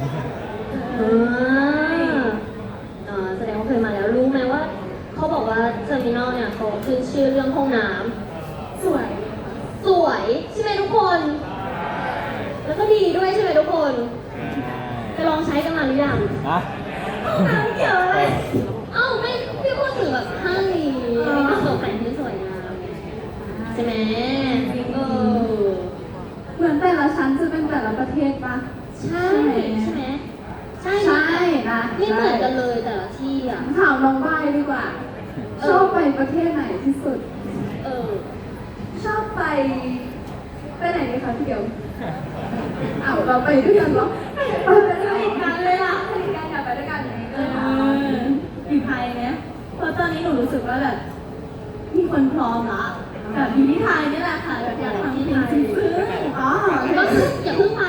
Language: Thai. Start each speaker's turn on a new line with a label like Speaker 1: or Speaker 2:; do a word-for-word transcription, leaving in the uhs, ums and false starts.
Speaker 1: อ่าอ่าแสดงว่าเคยมาแล้วรู้ไหมว่าเขาบอกว่าเทอร์มินอลเนี่ยเขาขึ้นชื่อเรื่องห้องน้ำสวยสวยใช่ไหมทุกคน แล้วก็ดีด้วยใช่ไหมทุกคนจะลองใช้กันมาหรือยัง
Speaker 2: อะ
Speaker 1: ห้องน้ำเกี่ยวอะไรเอ้าไม่พี่พูดถึงแบบห้างนี้มีกระจกแต่งที่สวยงามใช่ไหมเออ
Speaker 3: เหมือนแต่ละชั้นจะเป็นแต่ละประเทศปะ
Speaker 1: ใช่ใช่ไหมใช่
Speaker 3: ใช่นะ
Speaker 1: ไม่เหมือนกันเลยแต่ละที่อ่ะ
Speaker 3: ถามน้องใบดีกว่า ชอบไปประเทศไหนที่สุด
Speaker 1: เออ
Speaker 3: ชอบไปไปไหนดีคะพี่เดียวอ้าวเราไปด้วยกันเหรอไปด้วยกันเลยอ่ะไปด้วยกันอยากไปด้วยกันไหนเอออยู่ไทยเนี่ยเพราะตอนนี้หนูรู้สึกว่าแบบมีคนพร้อมละแบบอยู่ที่ไทยนี่แหละค่ะแบบอยากทำเพลงซึ้งๆอ๋อ
Speaker 1: ก็คืออย่าเพิ่งไป